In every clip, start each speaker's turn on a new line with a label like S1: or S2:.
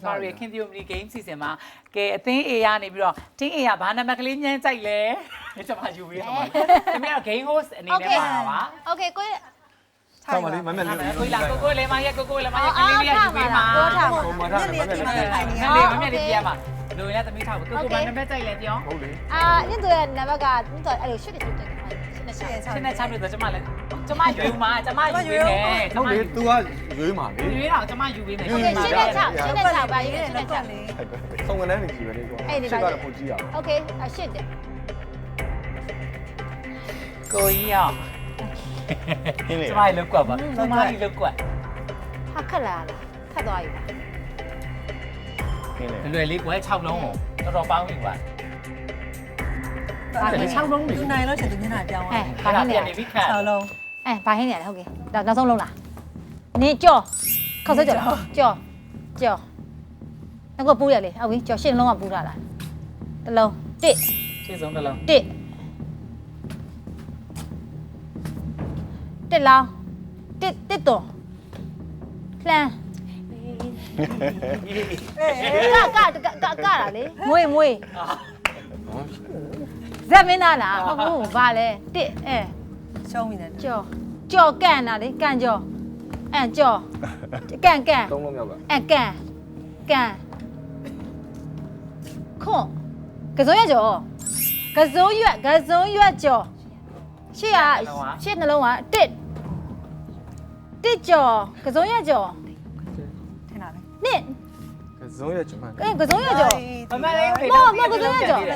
S1: ကျမတို့ရဲ့ King Theory Game စီစဉ်မှာကဲအသင်း A ရနေပြီးတော့ Team A ကဘာနံပါတ်ကလေးညမ်းကြိုက်လဲကျမယူပြီးတော့မှာတမီးက Game Host အနေနဲ့ပါပါ
S2: Okay ကို
S3: ဆောင်းပါလေမမလေး
S1: ကိုလာကိုလေးမရဲ့ကိုလေးမရဲ့ကလေးလေးယူပြီးမှာ
S3: ဟိုမှာထားမမလေး
S1: ငါလေးမမလေးပြရမှာလူရသမီးထားကိုဘာနံပါတ်ကြိုက်လဲပြော
S3: ဟုတ်လေ
S2: ညတို့ရဲ့နံပါတ်ကညတို့အဲ့လိုရှစ်တယ်တယ်ရှင်းနေချာ
S1: ရှင်းနေချပြီးတော့ကျမလည်းကျမယူမှာကျမယူပေးမယ်
S3: ဟုတ်လေ तू ကရွေးမှာလေ
S1: ရွေးတော့ကျမယူပေးမယ်
S2: Okay ရှင်းနေချပါရေးရှင်းနေချ
S3: စုံကန်းနေကြည့်ပဲလေကွာရှစ်ကတော့ပိုကြည့်ရအောင်
S2: Okay ရှစ်တယ်
S1: ကိုကြီးရောကျမလောက်ကွက်ပါကျမကြီးလောက်ကွက်
S2: ဟာခက်လာလားခက်သွားပြီလား
S1: လွယ်လေးကွယ်6လုံးတော်တော်ပေါင်းပြီကွာအဲ့ဒါ6လုံးပြီ
S4: သူနိုင်လို့ချက်သူမျက်နှာပြောင်းသွား
S2: ဘာဟင်းနေရ
S1: နေပြီခါ
S4: 6လုံး
S2: ဘာဟင်းနေရလဲဟုတ်ကဲ့နောက်ဆုံးလုံးလားနင်းကြော်ခောက်စဲကြော်လားကြော်ငါကပူးရလေဟုတ်ပြီကြော်ရှင်းလုံးကပူးတာလားတစ်လုံးတစ်
S1: ရှင်းဆုံးတစ်လုံး
S2: တစ်လောင်းတစ်တော်လှမ်းကလာလေမွေဇက်မင်းသားလားဟုတ်ဘူးဗာလဲတစ်
S4: ရှုံးပြီလေ
S2: ကြော်ကန်တာလေကန်ကြော်ကြော်ကန်
S3: သုံးလုံးမြောက်က
S2: ကန်ခွန်ကစုံရကြော်ကစုံရွက်ကြော်ရှေ့နှလုံးကတစ်ကြော်ကစုံရကြော်
S4: ထင်တာလေ
S2: နှစ်
S3: ကစုံရဲ့ကျမ
S2: ကစုံရကြော်
S1: မမလေး
S4: သိပါရဲ့
S2: တစ်ကြော်ကစုံရ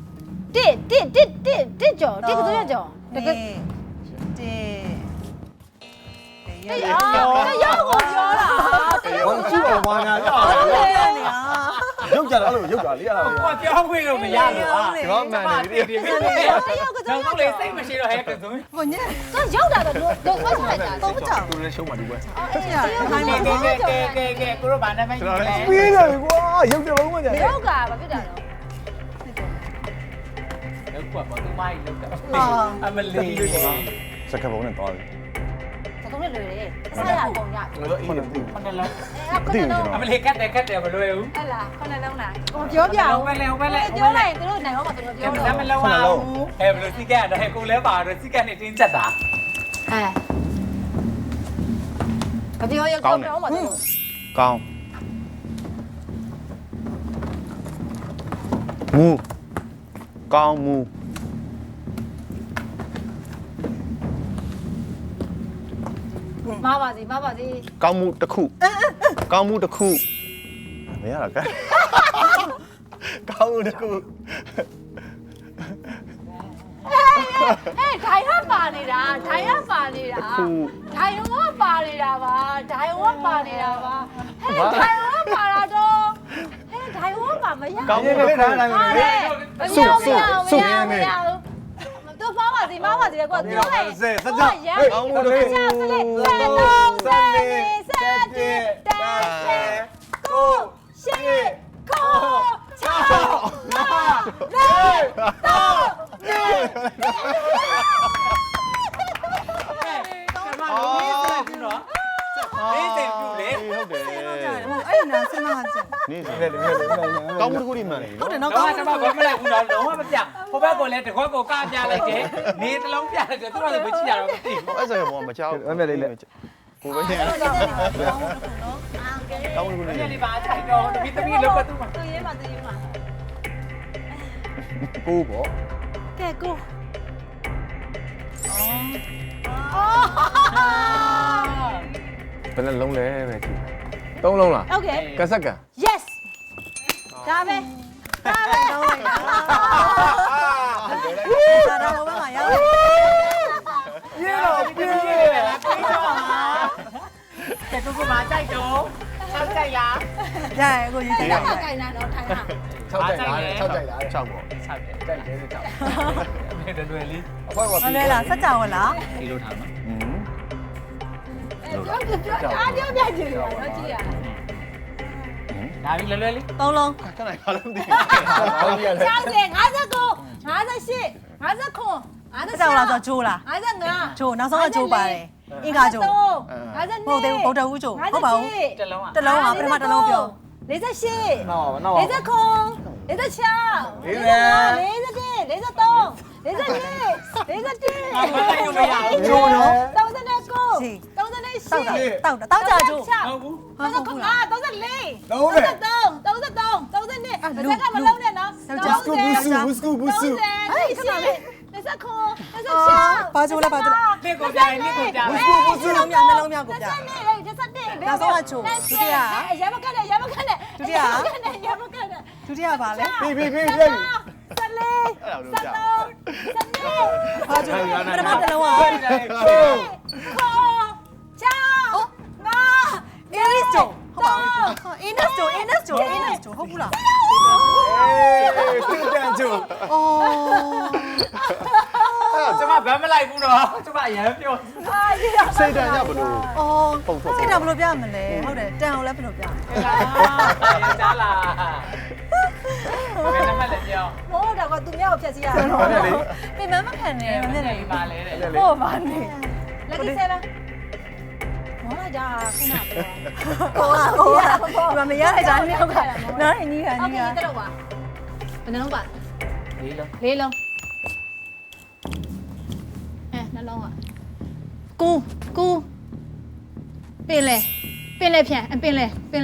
S2: ကြော်တကယ်ရောက်ကိုပြောတာ
S3: ဘာကြည့်တော့ဘာညာရုပ်ကြတာအဲ့လိုရုပ်ကြလေးရတာ
S1: ကိုပြောခွင့်လို့မရဘူးကွာ
S3: ဒီတော့မှန်နေပြီ
S1: တော့လေးစိတ်မရှိတော့ဟဲ့ကစုံ
S4: ကိုညက်
S2: တော့ရောက်တာတော့ဆွတ်လိုက်တာ
S4: တော့ကြောက်
S3: သူလည်းရှုံးပါဒီကွယ်
S1: ကဲကိုရောဘာနာမည်လဲ
S3: ပြီးတယ်ကွာရုပ်ကြလုံးမကြ
S2: ရောက်ကဘာဖြစ်တာလဲ
S1: လောက်ကွာဘာသူမိုင်းလောက်တာအမလေး
S3: စကပုံနဲ့တော့တယ်
S2: သကုံးနဲ့လွယ်တယ်အစားရအကုန်ရ
S3: ကျွန်တော်အေးနေပြီ
S1: ခဏလုံး
S3: မသိဘူးကျွန်
S1: အ
S3: တော်
S1: မလေးကတ်တယ်မလွယ်ဘူး
S2: ဟဲ့လားခုနလုံးလားကိုပြောပြအောင်
S1: ပဲလေ
S2: ပြောလိုက်သူတို့နိုင်တော့မှသူတို့ပြော
S1: ဒါ
S2: တော့
S1: မလုံးအောင်ဟဲ့ဘယ်လိုစီကတ်တော့ဟဲ့ကိုလဲပါတော့စီကတ်နေတင်းချက်တာ
S2: မပြောရကောင်းတော့မှသူတို့
S5: ကောင်းမူကောင်းမူ
S2: မပါစီ
S5: ကောင်းမှုတစ်ခုကောင်းမှုတစ်ခုမရတော့ကဲကောင်းမှုတစ်ခု
S2: ဒိုင်ဟပါနေတာဒိုင်ဟပါနေတာပါဒိုင်ဟပါနေတာပါဟဲ့ဒိုင်ဟပါလာတော့ဟဲ့ဒိုင်ဟပါမရ
S5: ကောင်းမှုတစ်ခု
S2: တော့ပါပါစီကွာပြောလိုက်
S5: ကောင်းမှုတစ်ခု
S2: ဆက်ကိုရှေ့ကိုချောနာလေးတော့နေ
S1: နေစင်ပြူလေ
S5: ဟုတ်တယ်
S4: အဲ့နာစနာချက်
S5: နေစ
S3: လေလေလေ
S5: ကောင်းမှုတစ်ခုဒီမှန်တယ်
S4: ဟုတ်တယ်
S1: တော့
S4: နော်
S1: ကဘာမလဲဘူးတော့လုံးဝမပြဟိုဘက်ကလည်းတခွက်ကိုကပြလိုက်တယ်နေတလုံးပြလိုက်တယ်သူတို့ကဘယ်ချီရတော့မသိဘူး
S5: အဲ့ဆိုဘောမချောက်ကိုပဲနေကောင်းမှုတစ်ခု
S1: ။ဒီ
S5: နေ
S1: နေ့ပါထိုင်တော့တပီလောက်ကသူ့မှာ
S2: သူရေးမှာ
S3: ကိုပေါ့
S2: ကဲကို
S3: ဘယ်နှလုံးလဲပဲကြည့်သုံးလုံးလား
S2: โอเค
S3: ကဆက်ကံ
S2: yes ဒါပဲ
S4: ဒါတော့ဘယ်မှာရောက်
S1: ပြေတော့ပြေလားပြေတော့မှာ။တဲ့ကူမကြိုက်တော့၆ကြိုက်လား
S4: ရရကိုရေးကြည့်
S2: ဒါကကြိုင်လာတော့ထိုင်တာ
S3: 6ကြိုက်လား6ကြိုက်လား
S5: 6ပေါ့
S1: ။၆ကြိုက်
S3: ကြိုက်တယ်ကြိုက်
S1: ။ဒီလွယ်လေး
S3: အဖွဲပါ
S4: မလဲလားစက်ကြောင်လား
S1: ဒီလိုထားမှာ
S5: อืม
S2: အားပြောပြကြည့်ရတော့ကြည့်ရ
S1: ။ဒါပြီးလွယ်လေး
S4: 3လုံး
S5: ခဏခါလုံးမသိ
S2: 60 59 58 59
S4: စက်ကြောင်လားဆိုဂျိုးလား
S2: 55
S4: ဂျိုးနောက်ဆုံးကဂျိုးပါတယ်အင်္ဂါဂျိုး
S2: 52
S4: ဟုတ်တယ်ဗုဒ္ဓဦးဂျိုးဟုတ်ပါဘူး
S1: တစ်လုံးอ่ะ
S4: တစ်လုံးကပထမတစ်လုံးပြော
S2: 48
S3: နောက်ပါ
S2: 49 46
S4: တောက်တာတောက်ကြကျိုး
S1: ဟုတ်ဘူး
S4: ဟုတ်ဘူးလား
S2: 33 ကမလုံးနဲ့နော်
S4: ဘာကျိုးလဲဘာကျိုးလဲ
S1: ဒီကိုပြိုင်ဒီကိုပြိုင်
S4: နှလုံးမြောက်ကိုပြရမခက်နဲ့ရမခက်နဲ့ဒုတိယပါလဲ
S5: ပြီ
S4: ဘာကျိုးလဲပထမတစ်လုံးอ่ะ English ကျိုးဟုတ်ပါဘူး English ကျိုးဟုတ်ဘူးလား
S5: စစ်တမ်းကျိုး
S4: အော်
S1: ကျမဗမ်းမလိုက်ဘူးတော့ကျမအရန်ပြော
S5: စိတ်တမ်းရဘလို့
S4: အော်
S5: ပုံထုတ်
S4: စိတ်ဓာတ်ဘယ်လိုပြမလဲဟုတ်တယ်တန်အောင်လည်းဘယ်လိုပြ
S1: ရကြားလာဘယ်နမလဲပြော
S2: မိုးတော့ကသူများကိုဖြတ်စီရအောင်
S5: ဟုတ်တယ်လေ
S4: ပြင်မမခံနဲ့
S1: မနေ့ကပါလေတဲ့
S4: ဟုတ်ပါနဲ့
S2: Lucky 7မောလာကြခုနက
S4: ဟိုမရလိုက်တာမြောက်ကနော်ညီက
S2: โอ
S4: ညီ
S2: เค
S4: က
S2: တက်တော့ပါဘယ်နှလုံးပါ
S1: လေးလုံး
S2: လေးလုံးနှလုံးอ่ะကူပင်လေဖြန့်ပင်လေ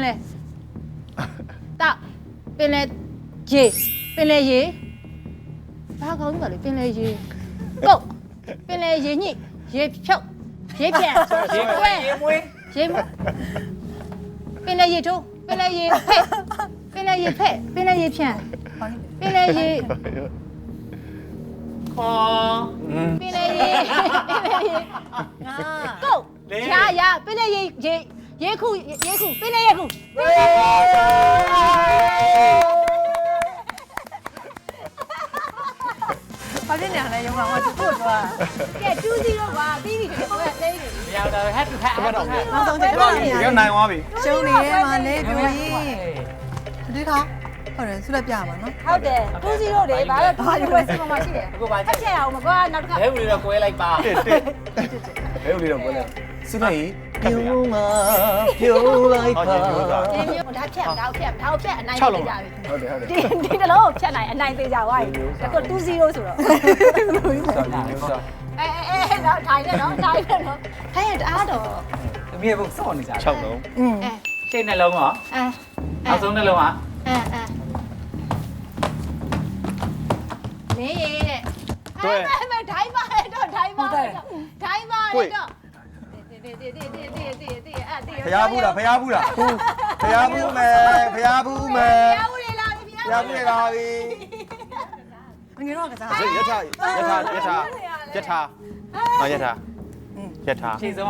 S2: တောက်ပင်လေရေဘာကောင်းကြီးပါလဲပင်လေရေကုတ်ပင်လေရေညိရေဖြုတ်ရေဖြန့်
S1: ရေမွေးရေမွေး
S2: ရေမပင်လေရေထိုးပင်လေရေဖက်ပင်လေရေဖြန့်ပင်လေရေ
S1: ခေါ်
S2: ပင်လေရေကုတ်ရပင်လေရေခုပင်လေရေခု
S4: ဘာဖြစ်နေလဲရုံကဟိုသူ့ကိုပြော
S2: ကဲ2-0ပါပြီးပြီကိုကသိနေပြီ
S1: မရတော့ head to head
S4: နောက်ဆုံးချက်တော့နေရ
S5: ရနိုင်သွားပြီ
S4: ရှုံးနေရဲမှာလဲပြောရင်ဒီခါဟုတ်တယ်ဆုလက်ပြပါနော်
S2: ဟုတ်တယ်2-0လေဘာလို့2-0ပဲစီမမရှိတယ်
S1: အခုပါ
S2: ဖက်ချက်အောင်မကွာနောက်တစ်ခါ
S1: ဘဲဦးလေးတော့ကွဲလိုက်ပါ
S5: ဘဲဦးလေးတော့ပွဲလဲစစ်လိုက်ပြုံးမှာပြုံးလိုက်ပါ
S2: ဒီမျိုးဒါဖြတ်အနိုင်ပေးကြပြီ
S5: ဟုတ်တယ်
S2: ဒီတလုံးဖြတ်နိုင်အနိုင်ပေးကြသွားပြီဒါက2-0ဆိုတော့
S3: စာမျိုးစား
S2: တော့ထိုင်နေတော့ထိုင်ရတအားတော့
S1: အမေဘုစောနေကြ
S5: 6လုံး
S1: ရှင်းနှလုံးရောနောက်ဆုံးနှလုံးอ่ะ
S2: နေရတဲ့ဒိုင်းပါတော့ဒိုင်းပါတော့
S5: ဖျားဘူးလားဖျားဘူးမယ်ဖျားဘူးမယ်
S2: ဖျားဦးလေလာပြီ
S5: ဖျားဘူးလာပြီ
S4: ငယ်တော့ကစား
S5: ရထားအာရထား
S1: ရှင်းဆုံးอ่ะ
S5: ရထား
S1: ရထား
S2: ကတော်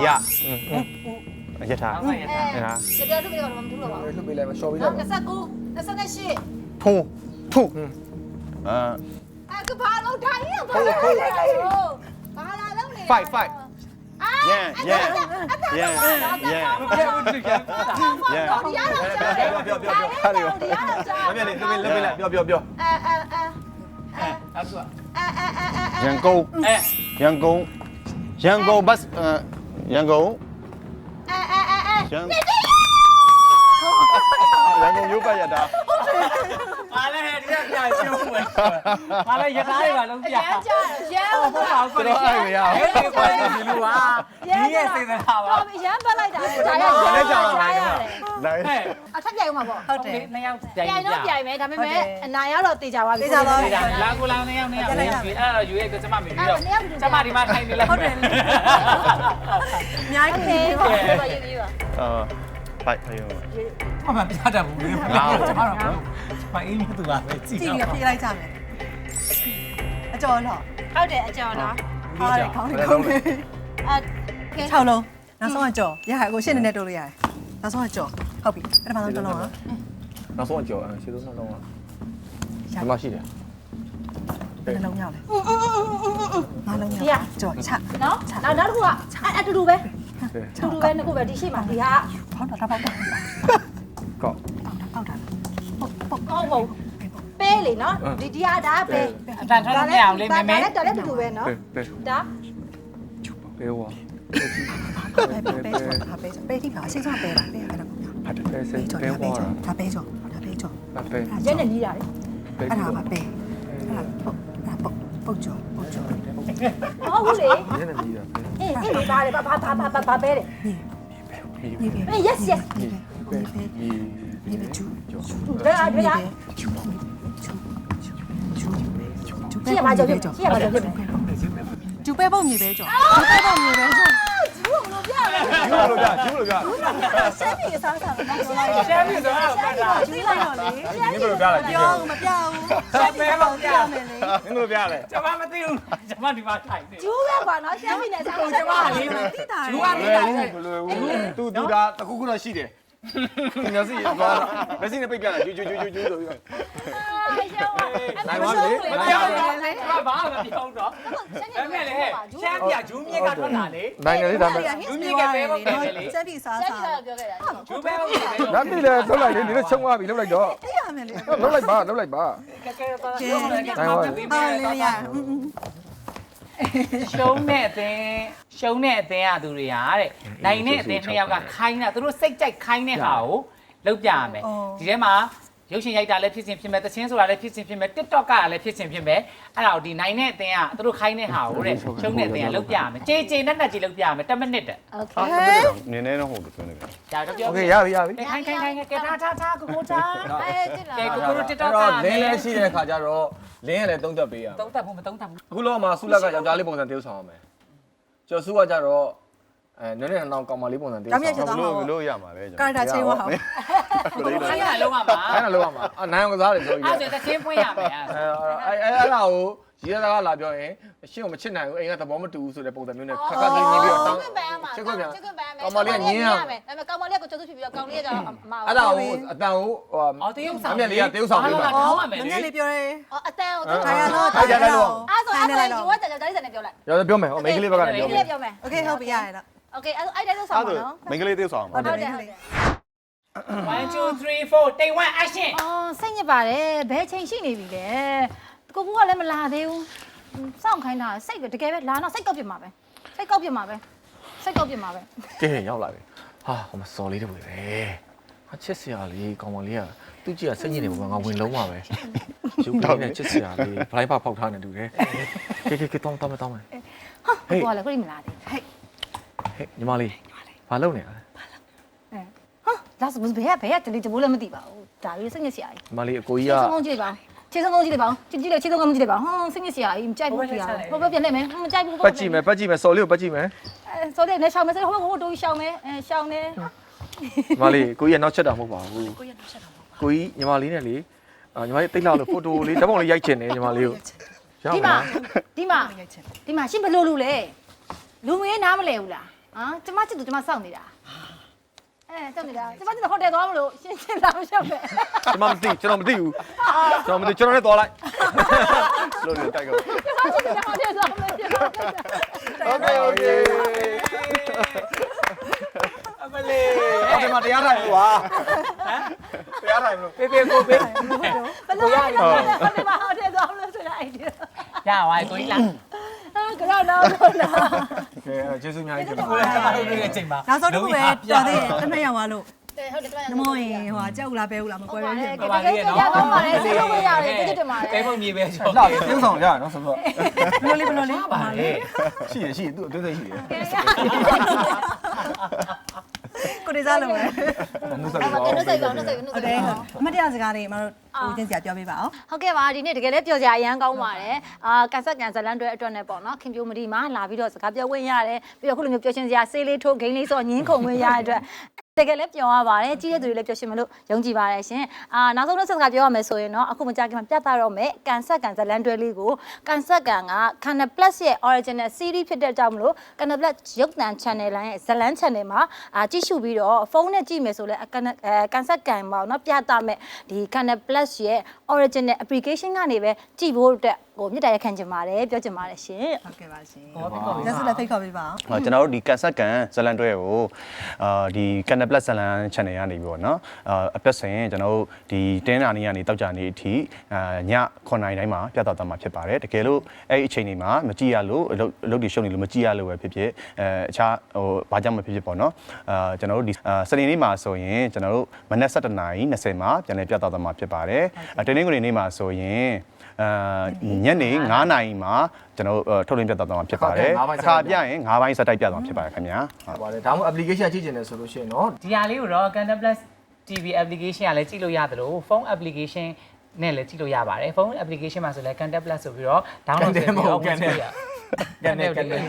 S2: တို့ကတော့မထူးတော့ပါဘူး
S3: လှုပ်ပေးလိုက်ပါရှော့ပေးလိုက်ပါ
S2: 29 28
S5: ဖုံဖုံအာ
S2: ကဘာလုံးထိုင်ရဘာလာလုံးနေ
S5: 5ရန်
S1: ဘယ်ဦးတူရန်
S2: ဒီရတော့ကြာ
S5: ပြောမမြင်လေလှုပ်ပေးလိုက်ပြော
S1: အဲ့ဒါ
S5: ရန်ကုန်
S1: အဲ
S5: ရန်ကုန်ဘတ်ရန်ကုန်ရုပ်ပတ်ရတာ
S1: ပါလေဒီကပြရှုံးမယ်ပါလေရထားတွေပါလုံးပြ
S2: ရမ်းကြာရမ်း
S1: ဟုတ်ပါဘူးကိုယ်ဟဲ့ဒီလိုပါဒီရဲ့စေတနာပါ
S2: တော့ရမ်းပတ်လိုက်တာဒါရ
S5: လည်းကြောင်
S2: ထားရတယ်
S5: နိုင်
S1: ဟဲ့
S2: အထက်ပြိုင်မှာပေါ့
S4: ဟုတ်တယ်
S1: နှစ်ယောက်
S2: ပြိုင်တော့ပြိုင်မယ်ဒါပေမဲ့အနိုင်ရတော့တေချာပါပြီ
S1: လာကိုလာနှစ်ယောက်အဲ့တော့ယူရဲကကျမမေပြီးတော့ကျမဒီမှာထိုင်နေလိုက်
S4: ဟုတ်တယ်အများ
S2: โอ
S4: ကြီး
S2: เค
S4: နေ
S2: ပါ
S4: ပါ
S2: ပါရေးရေးပါ
S5: ဖိုက်ဖယုံ
S1: အမှန်ပြတတ်ဘူးလေကျမတော့မအင်းမြသူပါပဲကြည့်
S4: ကြည့်
S1: တော့
S4: ပြီးပြေးလိုက်ကြမယ်အကျော်တော့
S2: ဟုတ်တယ်အကျော်နော်
S4: ဟားတယ်ခေါင်းလေးခေါင်းလေး
S2: အဲ
S4: 6လုံးနောက်ဆုံးကကြော်ရဟကိုရှင်းနေနဲ့တိုးလို့ရတယ်နောက်ဆုံးကကြော်ဟုတ်ပြီပထမဆုံးတစ်လုံးอ่ะ
S3: နောက်ဆုံးကြော်ရှေ့ဆုံးနှလုံးကဒီမှာရှိတယ်
S4: နှလုံးရောက်လေငါလုံးရောက်ကြော်ချ
S2: နော်နောက်တစ်ခုကအတူတူပဲနှစ်ခုပဲဒီရှိမှာဒီဟာ
S4: ဖောင်းတော့ပေါက်တာ
S3: ကောက်
S4: ပေါက်တာ
S2: ဟုတ်ပေးလေနော်ဒီဟာဒါပဲ
S1: အတန်ထွက်နေအောင်လေးမဲမဲ
S2: ဒါလည်းတူတူပဲနော်
S3: ပဲ
S2: ဒါ
S3: ပဲဝါ
S4: ပဲပဲပဲပဲဒီပါအစိမ်းဆုံးပဲလားပဲအဲ့ဒါ
S3: ပဲစိတ်
S4: ကြော်
S3: ပဲ
S4: ဒါပဲ
S3: ပွား
S4: ကြော်
S3: တာ
S4: ဒါပဲကြော်ဒါပဲကြော်
S3: ပဲပဲ
S2: ရဲနဲ့ကြီးတာလေ
S4: အဲ့ဒါပါပဲအဲ့ဒါပုတ်ကြော်
S2: ဟုတ်ဘူးလေ
S3: ညနေကြီးတာပဲ
S2: အေးအေးဒါလေဘာပဲလေ
S4: နေပဲ
S2: အေး yes yes
S4: နေပဲချူ
S2: ဘယ်အားဘယ်အား
S4: ချူ
S2: ရှေ့ရပါကြော်ရှေ့ရပါကြော်ဖြစ်မယ်
S4: ကျူပဲပုံမြေပဲကြော်ကျူပဲပုံမြေပဲကြော်
S2: ကျူးလို့ပြရတယ်
S3: ကျူးလို့ပြကျူးလို့ပြ
S4: ရှမ်းပြည်စားစားတော့ပြောလိုက်
S1: ရှမ်းပြည်ဆိုတာပတ်တာ
S4: ကျူးလိုက်တော့လေ
S3: နင်းတို့ပြလာကြည့်
S4: ပြောမပြောဘူးရှမ်းပြည်ပုံပြမယ်လေ
S3: နင်းတို့ပြလဲ
S1: ကျွန်မမသိဘူးကျွန်မဒီမှာထိုင်နေ
S2: ကျူးပဲကွာနော်ရှမ်းပြည်နယ်စားလို့
S1: ကျွန်မလေး
S4: တိတာ
S1: ကျူ
S4: လေ
S1: ကနေတာလေ
S3: ဘယ်လိုသူဒါတခုခုတော့ရှိတယ်ဒီမျက်စိရောမျက်စိနဲ့ပိတ်ပြလာကျူးဆိုပြီး
S2: ရှမ်းပါ
S3: နိုင်ပါလေ
S1: မပြောတော့ကျွန်မဘာမှမပြောတော့အဲ့မဲ့လေရှမ်းပြဂျူးမြစ်ကထွက်လာလေ
S3: နိုင်တယ်လေဒါမဲ့
S4: ရှမ်းပြည်စား
S2: ရှမ်း
S4: စား
S2: ပြည်ကပြောခဲ့တာ
S1: ဂျူးပဲဟုတ်တယ်
S3: ဒါတိလေထုတ်လိုက်လေဒီလိုချုံသွားပြီလှုပ်လိုက်တော့
S4: သိရမယ်လေ
S3: လှုပ်လိုက်ပါလှုပ်လိုက်ပါ
S1: ကဲကဲပါရှုံးနေတယ်
S4: အော်လေရ
S1: ရှုံးတဲ့အသင်းကသူတွေကတဲ့နိုင်တဲ့အသင်းနှစ်ယောက်ကခိုင်းတာသူတို့စိတ်ကြိုက်ခိုင်းတဲ့ဟာကိုလုပ်ပြရမယ်ဒီထဲမှာရုပ်ရှင်ရိုက်တာလည်းဖြစ်စဉ်ဖြစ်မယ်သချင်းဆိုတာလည်းဖြစ်စဉ်ဖြစ်မယ် TikTok ကလည်းဖြစ်စဉ်ဖြစ်မယ်အဲ့ဒါကိုဒီနိုင်တဲ့အသင်းကသူတို့ခိုင်းတဲ့ဟာကိုတဲ့ရှုံးတဲ့အသင်းကလုပ်ပြရမယ်ကြေကြေနဲ့ကြီးလုပ်ပြရမယ်10မိနစ်တဲ့
S2: โอเค
S5: နင်းနေတော့ဟုတ်တယ်ပြောနေတယ်
S1: ဒါတော့ပြော
S3: โอเคရပြီရပြီ
S1: ခိုင်းကဲထားကိုထား
S2: အဲကြည့်လာ
S1: ကဲကိုတို့ TikTok က
S3: လင်းလည်းရှိတဲ့ခါကျတော့လင်းရလည်းသုံးသက်ပေးရ
S1: သုံးသက်ဘူးမသုံးသက်ဘူး
S3: အခုလောကမှာဆုလက်ကယောက်ျားလေးပုံစံတရုပ်ဆောင်ရမယ်ကျော်စုကကြတော့နည်းနည်းအောင်ကောင်မလေးပုံစံတရုပ်ဆောင်
S5: ဘလို့ရမှာလဲကျွန်
S4: ကာတာချင်းဝါဟော
S1: ခိုင်းရလုံးဝမှာ
S3: အဲ့ဒါလောက်ပါမှာနိုင်အောင်ကစားတယ်ပြောကြီး
S1: အဲ့ဒါသချင်းဖွင့်ရမယ်
S3: အဲ့ဒါကိုရီးသားကလာပြောရင်ရှင်းကိုမချစ်နိုင်ဘူးအိမ်ကသဘောမတူဘူးဆိုတဲ့ပုံစံမျိုးနဲ့ခက်ခက်လေးနေပြီးတော့တောင်း
S2: ချစ်ခွင့်ပန်းမှာ
S3: ချစ်ခွင့်ပြန်
S2: ကောင်မလေးကညင်းရမယ်ဒါပေမဲ့ကောင်မလေးကကျုပ်ဖြစ်ပြီးတော့ကောင်လေးကမအောင်
S3: အဲ့ဒါကိုအတန်ကိုဟို
S1: အော်တရုပ်ဆောင်
S3: အမြက်လေးကတရုပ်ဆောင်ပေးပါ
S1: ထောင်းရမယ်
S4: န
S1: လေ
S4: ည်းလေးပြောရဲ
S2: အော်အတန်ကို
S4: ထိုင်ရတော့
S3: ထိုင်ရတော့
S2: အဲ့ဆိုအဲ့ဆိုယူဝတ်တယ်ဒါလေးစနေပြောလိုက်
S3: ရောပြောမယ်ဟိုမိန်းကလေးဘက်ကနေပြောမယ်
S2: ပြောမယ်
S4: โอเคဟုတ်ပြီရရတော့
S2: โอเคအဲ့အဲ့တိုင်းဆောင်ပါနော်
S5: မိန်းကလေးသေးဆောင်ပါ
S2: ဟုတ်တယ်ဟုတ်တယ်
S1: 1 2 3 4 take one action
S2: အော်စိတ်ညစ်ပါတယ်ဘယ်ချိန်ရှိနေပြီလဲကိုကူကလည်းမလာသေးဘူးစောင့်ခိုင်းတာစိတ်ပဲတကယ်ပဲလာတော့စိတ်ကောက်ပြစ်မှာပဲစိတ်ကောက်ပြစ်မှာပဲ
S3: ကဲရောက်လာပြီဟာဟိုမှာစော်လေးတွေပဲဟာချစ်စရာလေးကောင်မလေးကသူ့ကြည့်ကစိတ်ညစ်နေပုံကငါဝင်လုံးပါပဲရုပ်ကလေးနဲ့ချစ်စရာလေးဘလိုက်ပါဖောက်ထားနေတူတယ်ကဲတောင်းမယ်
S2: ဟာကိုကလည်းကိုမလာသေး
S3: ဟဲ့ညီမလေးဘာလုပ်နေရလဲ
S2: ဟာဒါဆိုဘယ်ကတလီတဘိုးလည်းမသိပါဘူးဒါလေးစိတ်ညစ်စရာကြီး
S3: ညီမလေးအကိုကြီး
S2: ခြေ
S3: က
S2: ဆုံးကြည့်လိုက်ပါခြေဆုံးကြည့်လိုက်ပါကြည့်လေခြေဆုံးကမကြည့်လိုက်ပါဟွန်းစိတ်ညစ်စရာကြီးမကြိုက်ဘူးပြရဟိုဘက်ပြန်လိုက်မယ်မကြိုက်ဘူး
S3: ပတ်ကြည့်မယ်စော်လေးကိုပတ်ကြည့်မယ်
S2: ဆိုတဲ့နဲ့ရှောင်းမယ်ဆိုဟိုဘက်တိုးရှောင်းမယ်ရှောင်းနေ
S3: ညီမလေးကိုကြီးကနောက်ချက်တာမဟုတ်ပါဘူးကိုကြီးညီမလေးနဲ့လေညီမလေးတိတ်လောက်လို့ဖိုတိုလေးဓာတ်ပုံလေးရိုက်ချင်တယ်ညီမလေးကိုရောက်
S2: ဒီ
S3: ပါ
S2: မှာရှင်းဘလို့လူလဲလူမင်းနားမလဲဘူးလားဟမ်ကျမချစ်သူကျမစောင့်နေတာစောင့်နေတာကျမချစ်သူဟိုတယ်သွားမလို့ရှင်းလာမရှောက်နဲ့
S3: ကျွန်တော်မသိဘူးကျွန်တော်နဲ့သွားလိုက်
S5: လို့နေတိုက်ကော
S2: ကျမချစ်သူဟိုတယ်သွားမလို့ကျမ
S3: โอเค
S1: အမလေး
S3: ဒီမှာတရားထိုင်လို့ပါတရားထိုင်လို့
S1: ပေးပေးကိုပေး
S2: ဘယ်လိုရလဲဟိုတယ်သွားမလို့ဆိုတာအဲ့ဒီ
S1: ရပါကိုကြီးလား
S2: ကတော့တော့တော့
S3: ကဲကျေးဇူးအများကြီးတင်ပါ
S1: ကိုလည်းကျွန်တော်တို့ရဲ့အချိန်မှာ
S4: နောက်ဆုံးတစ်ခုပဲတော်သေးတယ်တစ်နှစ်ရောက်သွားလို့
S2: ဟုတ်တယ်
S4: နမောရင်ဟိုကြောက်လားပဲဦးလားမကွဲဘူးဖြစ်
S1: ပါပါလေးနော်
S2: ရကောင်းပါလေစိတ်လုံးမရတယ်တိတိတင်ပါလေ
S1: ပဲပုံမြေပဲချော
S3: လှပြုံးဆောင်ရနော်ဆိုတော့
S4: ဘလို့လေး
S1: ပါလေ
S3: ရှိရသူ့အသေးသေးရှိရ
S4: ကိုရီးစားလုံးပဲ
S3: နှုတ်ဆက်
S2: ဟုတ်
S3: ပြီး
S2: ကဲ့နှုတ်ဆက်ပါနှုတ်ဆက်
S4: ဟုတ်တယ်အမတရားစကားတွေမတို့ကိုချင်းစရာပြောပေးပါအောင်
S2: ဟုတ်ကဲ့ပါဒီနေ့တကယ်လည်းပျော်စရာအရန်ကောင်းပါတယ်ကန်ဆက်ကန်ဇလန်တွေအတွက်နဲ့ပေါ့နော်ခင်ပြိုမဒီမှာလာပြီးတော့စကားပြောဝင်ရတယ်ပြီးတော့ခုလိုမျိုးပျော်ရှင်စရာဆေးလေးထိုးဂိမ်းလေးစောညင်းခုံဝင်ရတဲ့အတွက်တကယ်လည်းပျော်ရပါတယ်ကြီးတဲ့သူတွေလည်းပျော်ရှင်မလို့ယုံကြည်ပါတယ်ရှင်နောက်ဆုံးတော့စကားပြောရမယ်ဆိုရင်တော့အခုမကြခင်မှာပြသတော့မယ်ကန်ဆက်ကန်ဇလန်တွဲလေးကိုကန်ဆက်ကန်က Canal Plus ရဲ့ original series ဖြစ်တဲ့ကြောင့်မလို့ Canal Plus ရုပ်သံ channel လိုင်းရဲ့ဇလန် channel မှာကြည့်ရှုပြီးတော့ဖုန်းနဲ့ကြည့်မယ်ဆိုလဲကန်ဆက်ကန်ပေါ့နော်ပြသမယ်ဒီ Canal Plus ရဲ့ original application ကနေပဲကြည့်ဖို့အတွက်ကိုမြစ်တာရခံချင်ပါတယ်ပြောချင်ပါတယ်ရှင်
S4: ဟုတ်ကဲ့ပါရှင်
S1: ဟောပြီးတော့
S4: လက်စလက်ဖိတ်ခေါ်ပေးပါအောင်
S5: ကျွန်တော်တို့ဒီကန်ဆက်ကန်ဇလန်တွဲကိုဒီ Canal Plus ဇလန် channel ကနေပြီးတော့เนาะအပြတ်ဆိုရင်ကျွန်တော်တို့ဒီတင်းနာနေကနေတောက်ကြနေအထိည9နာရီတိုင်းမှာပြသသွားမှာဖြစ်ပါတယ်တကယ်လို့အဲ့ဒီအချိန်တွေမှာမကြည့်ရလို့အလုပ်တွေရှုပ်နေလို့မကြည့်ရလို့ပဲဖြစ်ဖြစ်အခြားဘာကြောင့်မဖြစ်ဖြစ်ပေါ့เนาะကျွန်တော်တို့ဒီစနေနေ့မှာဆိုရင်ကျွန်တော်တို့မနက်7:20မှာပြန်လည်ပြသသွားမှာဖြစ်ပါတယ်တနင်္ဂနွေနေ့မှာဆိုရင်ညနေ9နာရီမှာကျွန်တော်ထုတ်လင်းပြသသွားမှာဖြစ်ပါတယ်အခါပြရင်9ပိုင်းစတိုက်ပြသွားမှာဖြစ်ပါတယ်ခင်ဗျာ
S3: ဟုတ်ပါတယ်ဒါမှမဟုတ် application ကြည့်ကျင်တယ်ဆိုလို့ရှိရင်เนาะ
S1: ဒီဟာလေးကိုတော့ Canal Plus TV application ကလည်းကြည့်လို့ရတယ်လို့ဖုန်း application နဲ့လည်းကြည့်လို့ရပါတယ်ဖုန်း application မှာဆိုလည်း Canal Plus ဆိုပြီးတော့ download လုပ်ပြီးတော့ဝင်ကြည့်ရCanal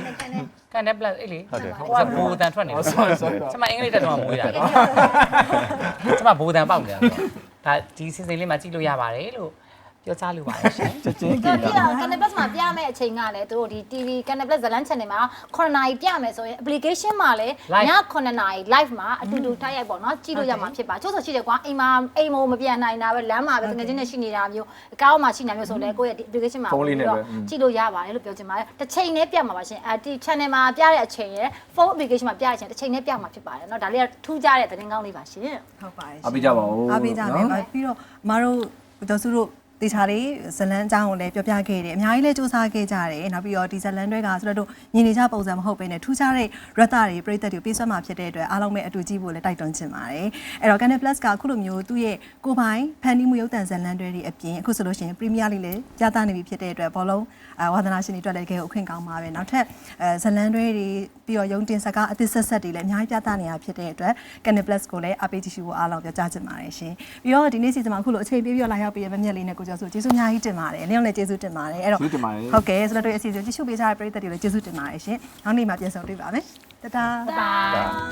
S1: Plus အေးလေဟိုကဘူတန်ထွက်နေတယ်ကျွန်မအင်္ဂလိပ်တက်တော့မွေးတာကျွန်မဘူတန်ပေါက်နေတာဒါဒီစီစဉ်လေးမှာကြည့်လို့ရပါတယ်လို့ပြောချလို့ပါတယ်ရှင်
S3: ချက်ချင်း
S2: တော်ပြီတော့ Canal Plus မှာပြမယ့်အချိန်ကလည်းသူတို့ဒီ TV Canal Plus ဇလန်း channel မှာ9နာရီပြမယ်ဆိုရင် application မှာလည်းည9နာရီ live မှာအတူတူထားရိုက်ပေါ့နော်ကြည့်လို့ရမှာဖြစ်ပါချို့ဆိုရှိတယ်ကွာအိမ်မို့မပြန်နိုင်တာပဲလမ်းမှာပဲတကယ်ချင်းနဲ့ရှိနေတာမျိုးအကောင်းမှရှိနေမျိုးဆိုလဲကိုယ့်ရဲ့ application မှာကြည့်လို့ရပါတယ်လို့ပြောချင်ပါတယ်တစ်ချိန်နဲ့ပြမှာပါရှင်ဒီ channel မှာပြတဲ့အချိန်ရယ် phone application မှာပြတဲ့အချိန်တစ်ချိန်နဲ့ပြမှာဖြစ်ပါတယ်เนาะဒါလေးကထူးခြားတဲ့သတင်းကောင်းလေးပါရှင်
S4: ဟုတ်ပါတယ်
S3: အားပေးကြပါဦး
S4: အားပေးကြမယ်ပြီးတော့မတို့ဒေါ်စုတို့တေချာလေးဇလန်းအကြောင်းကိုလည်းပြောပြခဲ့တယ်အများကြီးလည်းစူးစမ်းခဲ့ကြတယ်နောက်ပြီးတော့ဒီဇလန်းတွေကဆိုတော့ညီနေကြပုံစံမဟုတ်ဘဲနဲ့ထူးခြားတဲ့ရတ္တတွေပြည်သက်တွေပေးစွမ်းမှာဖြစ်တဲ့အတွက်အားလုံးပဲအတူကြည့်ဖို့လည်းတိုက်တွန်းချင်ပါတယ်အဲ့တော့ Canal Plus ကအခုလိုမျိုးသူ့ရဲ့ကိုယ်ပိုင်ဖန်တီးမှုရုပ်သံဇလန်းတွေအပြင်အခုဆိုလို့ရှိရင် Premier League လည်းပြသနေပြီဖြစ်တဲ့အတွက်ဘောလုံးဝါသနာရှင်တွေအတွက်လည်းတကယ်ကိုအခွင့်ကောင်းပါပဲနောက်ထပ်ဇလန်းတွေပြီးတော့ရုံတင်စကားအသစ်ဆက်တွေလည်းအများကြီးပြသနေတာဖြစ်တဲ့အတွက် Canal Plus ကိုလည်းအားပေးကြည့်ရှုဖို့အားလုံးပြောကြားချင်ပါတယ်ရှင်ပြီးတော့ဒီနေ့စီစဉ်မှာအခုလိုအချိန်ပေးပြီးတော့လာရောက်ပြီးရမမြက်လေးနဲ့ကိုကျော်စုကျေးဇူးအများကြီးတင်ပါတယ်အနည်းလည်းကျေးဇူးတင်ပါတယ်အဲ့တော့ဟုတ်ကဲ့ဆိုတော့တို့အစီအစဉ်ကြည့်ရှုပေးကြတဲ့ပရိသတ်တွေလည်းကျေးဇူးတင်ပါတယ်ရှင်နောက်နေ့မှာပြန်ဆုံတွေ့ပါမယ်တတား